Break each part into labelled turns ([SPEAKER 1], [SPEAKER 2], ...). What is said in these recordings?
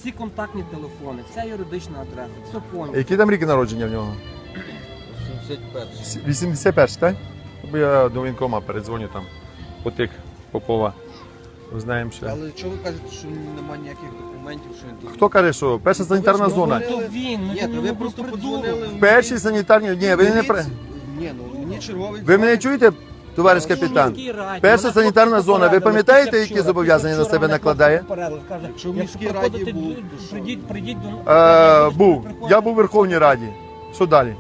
[SPEAKER 1] всі контактні телефони, вся юридична адреса, все повністю.
[SPEAKER 2] Які там ріки народження в нього?
[SPEAKER 3] 81.
[SPEAKER 2] 81, так? Бо я до воєнкома передзвоню там, потик Попова. Знаємо ще.
[SPEAKER 3] Але чого ви кажете, що немає ніяких документів, що він тут?
[SPEAKER 2] Хто каже, що перша санітарна зона?
[SPEAKER 1] То він,
[SPEAKER 3] Ні,
[SPEAKER 1] він
[SPEAKER 3] то ви
[SPEAKER 1] не
[SPEAKER 3] просто
[SPEAKER 1] придурок.
[SPEAKER 3] подзвонили.
[SPEAKER 2] Перші санітарні... Ні, ви не...
[SPEAKER 3] Ні, ну мені черговий...
[SPEAKER 2] Ви мене чуєте, товариш капітан? Перша санітарна зона, ви пам'ятаєте, які зобов'язання на себе накладає?
[SPEAKER 3] Якщо в міській раді був, то що?
[SPEAKER 1] Прийдіть до...
[SPEAKER 2] Був. Я був у Верховній Раді. Що далі?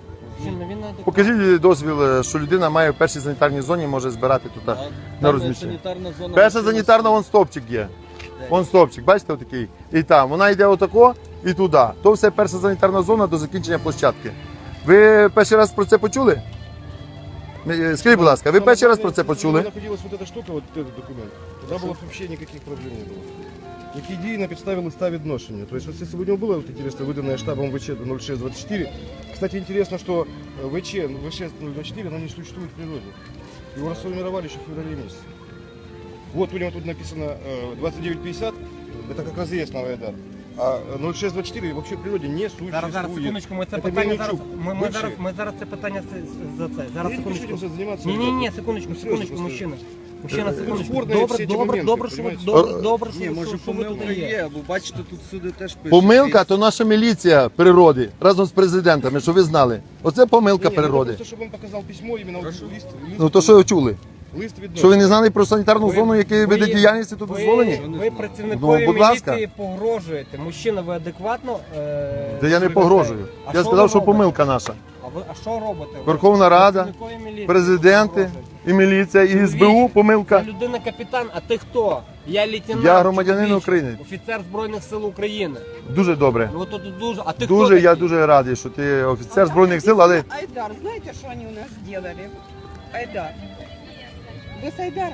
[SPEAKER 2] Покажіть дозвіл, що людина має в першій санітарній зоні, може збирати тут на розміщення. Перша санітарна, вон стовпчик є. Вон стовпчик, бачите, отакий? І там. Вона йде отако і туди. То все перша санітарна зона до закінчення площадки. Ви перший раз про це почули? Скажіть, будь ласка, ви перший раз про це почули?
[SPEAKER 4] Находилась вот эта штука, вот этот документ. Тогда было вообще никаких проблем не было. Які дії на підставі листа відношення. То есть, вот, если бы у него было вот, интересно, выданное штабом ВЧ 0624, кстати, интересно, что ВЧ 024, оно не существует в природе. Его расформировали еще в феврале месяце. Вот у него тут написано 2950, это как раз и есть новый Айдар. А 0624 вообще в природі не существует.
[SPEAKER 1] Зараз, секундочку, ми це
[SPEAKER 4] Це
[SPEAKER 1] питання зараз,
[SPEAKER 4] Мельничук.
[SPEAKER 1] ми зараз це питання за це. Зараз,
[SPEAKER 4] Я не хочу
[SPEAKER 1] секундочку.
[SPEAKER 4] этим заниматься.
[SPEAKER 1] Ні, секундочку,
[SPEAKER 4] Серйозно,
[SPEAKER 1] мужчина. Мужчина, секундочку.
[SPEAKER 4] спорні всі ці моменти,
[SPEAKER 1] Добре, що ви
[SPEAKER 4] понімаєте?
[SPEAKER 1] добре,
[SPEAKER 3] Ні, може
[SPEAKER 1] що ви тут
[SPEAKER 3] помилка
[SPEAKER 1] є.
[SPEAKER 3] є, бо бачите, тут всюди теж пишуть.
[SPEAKER 2] Помилка то наша міліція природи разом з президентами, що ви знали. Оце помилка
[SPEAKER 4] Ні,
[SPEAKER 2] природи.
[SPEAKER 4] Просто, щоб він показав письмо, іменно лист
[SPEAKER 2] Ну то що ви чули?
[SPEAKER 4] лист відношення.
[SPEAKER 2] Що ви не знали про санітарну зону, які
[SPEAKER 1] ви-
[SPEAKER 2] види діяльності тут дозволені?
[SPEAKER 1] Ви працівникові
[SPEAKER 2] Ну, будь ласка.
[SPEAKER 1] міліції погрожуєте. Мужчина, ви адекватно?
[SPEAKER 2] Та я не погрожую.
[SPEAKER 1] А
[SPEAKER 2] Я
[SPEAKER 1] що
[SPEAKER 2] сказав,
[SPEAKER 1] ви
[SPEAKER 2] що
[SPEAKER 1] робите?
[SPEAKER 2] помилка наша.
[SPEAKER 1] А що робите?
[SPEAKER 2] Верховна Рада,
[SPEAKER 1] Працівникові міліції
[SPEAKER 2] президенти,
[SPEAKER 1] погрожуєте.
[SPEAKER 2] і міліція, і СБУ помилка.
[SPEAKER 1] Я людина-капітан, а ти хто? Я лейтенант.
[SPEAKER 2] Я громадянин
[SPEAKER 1] чоловіче,
[SPEAKER 2] України.
[SPEAKER 1] Офіцер Збройних сил України.
[SPEAKER 2] Дуже добре.
[SPEAKER 1] Ну тут дуже. А ти
[SPEAKER 2] Дуже,
[SPEAKER 1] хто?
[SPEAKER 2] я
[SPEAKER 1] такий?
[SPEAKER 2] дуже радий, що ти офіцер Збройних сил, але
[SPEAKER 5] Айдар, знаете, что они у нас сделали? Айдар. Вы с Айдара?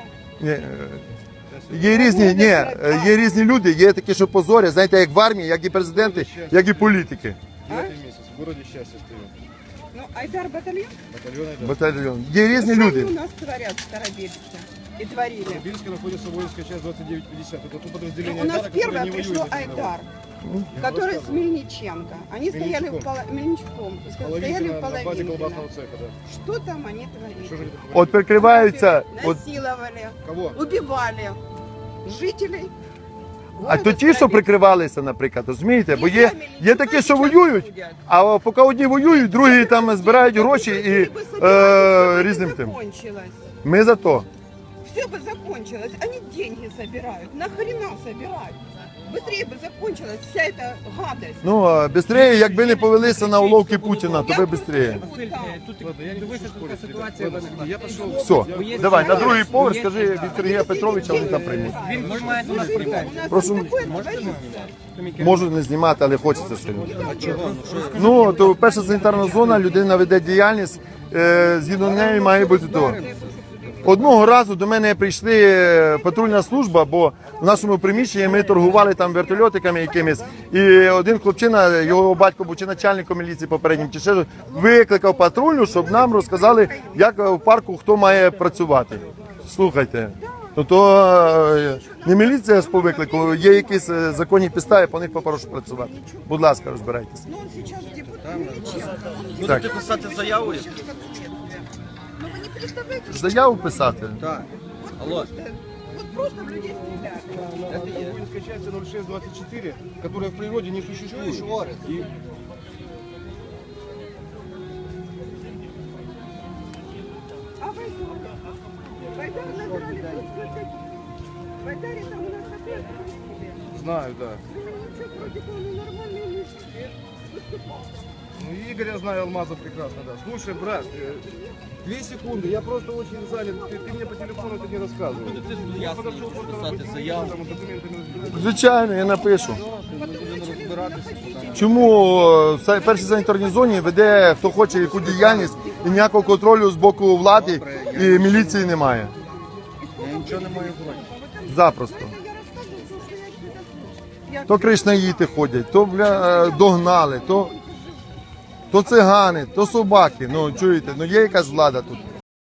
[SPEAKER 2] є різні люди, є такі, що позорять, знаєте, як в армії, як і президенти, як і політики.
[SPEAKER 4] 9 месяц, в городе счастья стоим.
[SPEAKER 5] Ну, Айдар батальон?
[SPEAKER 4] Батальон Айдар.
[SPEAKER 2] Батальйон. Є різні
[SPEAKER 5] Что
[SPEAKER 2] люди.
[SPEAKER 5] они у нас творят в Старобельске? И творили.
[SPEAKER 4] В Бельске находится воинская часть 2950. Это то подразделение
[SPEAKER 5] У нас
[SPEAKER 4] Айдара, которое
[SPEAKER 5] первое
[SPEAKER 4] не
[SPEAKER 5] пришло
[SPEAKER 4] воюет.
[SPEAKER 5] Айдар, который с Мельниченко. Они стояли в Мельничком. Стояли в
[SPEAKER 4] На базе
[SPEAKER 5] половине.
[SPEAKER 4] колбасного цеха, да.
[SPEAKER 5] Что там они творили?
[SPEAKER 4] Что же они такое?
[SPEAKER 2] От прикриваються. От,
[SPEAKER 5] Насиловали,
[SPEAKER 4] Кого?
[SPEAKER 5] убивали жителей.
[SPEAKER 2] а
[SPEAKER 5] города
[SPEAKER 2] то ті, що
[SPEAKER 5] Старобельска.
[SPEAKER 2] прикривалися, наприклад, розумієте? Бо
[SPEAKER 5] И
[SPEAKER 2] є
[SPEAKER 5] сами
[SPEAKER 2] такі, що
[SPEAKER 5] сейчас
[SPEAKER 2] воюють,
[SPEAKER 5] судят.
[SPEAKER 2] а поки одні воюють, другі там збирають гроші і
[SPEAKER 5] Если бы собирались, всё бы
[SPEAKER 2] різним тим.
[SPEAKER 5] закончилось.
[SPEAKER 2] Ми за то.
[SPEAKER 5] Все бы закончилось. Они деньги собирают. Нахрена собирать? Быстрее бы закончилась вся эта гадость.
[SPEAKER 2] Ну, швидше, якби не повелися на уловки Путіна, то би швидше.
[SPEAKER 1] Василь, тут
[SPEAKER 4] Ладно, я не
[SPEAKER 1] дивися,
[SPEAKER 4] хочу
[SPEAKER 1] тут така
[SPEAKER 4] спорить с
[SPEAKER 1] ситуація
[SPEAKER 4] этим.
[SPEAKER 1] виникла.
[SPEAKER 4] Я пошел.
[SPEAKER 2] Все, давай, на другий поверх скажи від Сергія Петровича, вони там приймуть.
[SPEAKER 1] Він знімає до нас
[SPEAKER 5] У
[SPEAKER 1] претензії.
[SPEAKER 5] нас
[SPEAKER 2] Прошу.
[SPEAKER 5] тут такое творится.
[SPEAKER 2] Можуть не знімати, але хочеться сьогодні. Ну, то перша санітарна зона, людина веде діяльність, згідно неї має бути то. Одного разу до мене прийшли патрульна служба, бо в нашому приміщенні ми торгували там вертольотиками якимись. І один хлопчина, його батько був чи начальником міліції попереднім, чи ще щось, викликав патрульну, щоб нам розказали, як в парку хто має працювати. Слухайте, то не міліція ж по виклику, є якісь законні підстави, по них попрошу працювати. Будь ласка, розбирайтеся.
[SPEAKER 5] Ну, он сейчас депутат Мельниченко.
[SPEAKER 3] Будете писати заяву?
[SPEAKER 5] Ну, вы не представляете, что
[SPEAKER 2] Заяву писати?
[SPEAKER 3] Так. Алло.
[SPEAKER 5] вот просто в людей стреляют.
[SPEAKER 4] Это воинская часть 0624, которая в природе не существует. И
[SPEAKER 5] А Байдар? Байдар набрали просто. В Байдаре там у нас опять крутили.
[SPEAKER 4] знаю, да.
[SPEAKER 5] Ничего против, он нормальный мужик. Выступал.
[SPEAKER 4] Ну, Игоря знаю, Алмаза прекрасно, да. Слушай, брат, 2 секунды, я просто очень занят. Ты мне по телефону это не рассказывал. Я подошел просто
[SPEAKER 3] писати заяву.
[SPEAKER 4] там документы разбирать.
[SPEAKER 2] Звичайно, я напишу.
[SPEAKER 3] Будемо розбиратися.
[SPEAKER 2] Чому в першій санітарній зоні веде хто хоче яку діяльність і ніякого контролю з боку влади і міліції немає?
[SPEAKER 3] Я нічого не маю проти.
[SPEAKER 2] Запросто.
[SPEAKER 5] Я рассказываю, что я отсюда слышу.
[SPEAKER 2] То кришнаїти ходять, то догнали, то цигани, то собаки. Ну чуєте, ну є якась влада тут.